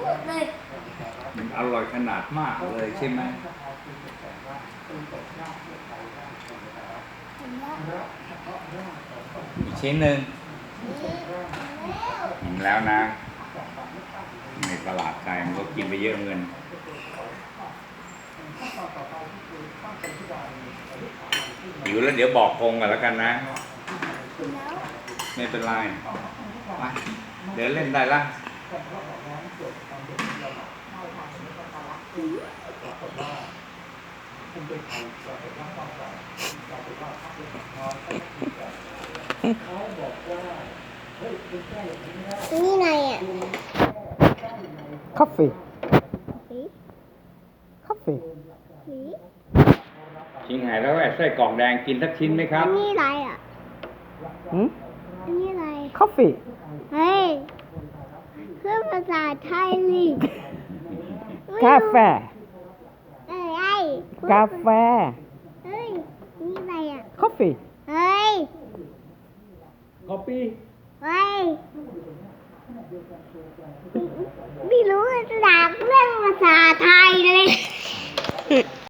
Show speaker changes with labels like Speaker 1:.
Speaker 1: มันอร่อยขนาดมากเลยใช่ไหมอีกชิ้นหนึ่งอิ่มแล้วนะในตลาดไทยมันก็กินไปเยอะเงินหิวแล้วเดี๋ยวบอกกงกันแล้วกันนะไม่เป็นไรไปเดี๋ยวเล่นได้ละ
Speaker 2: นี่ไงอ่ะ
Speaker 3: Coffee. Coffee.
Speaker 1: ชิงหายแล้วไส้กรอกแดงกินสักชิ้นไหมครับ
Speaker 2: นี่อะไรอ่ะ
Speaker 3: Hmm?
Speaker 2: นี่อะไร
Speaker 3: Coffee.
Speaker 2: เฮ้ยเพื่อภาษาไทยลิ
Speaker 3: Café.
Speaker 2: เอ้ย
Speaker 3: Café.
Speaker 2: เฮ้ยนี่อะไรอ่ะ
Speaker 3: Coffee.
Speaker 2: เฮ้ย
Speaker 1: Copy
Speaker 2: เฮ้ยไม่รู้จะด่าเรื่องภาษาไทยเลย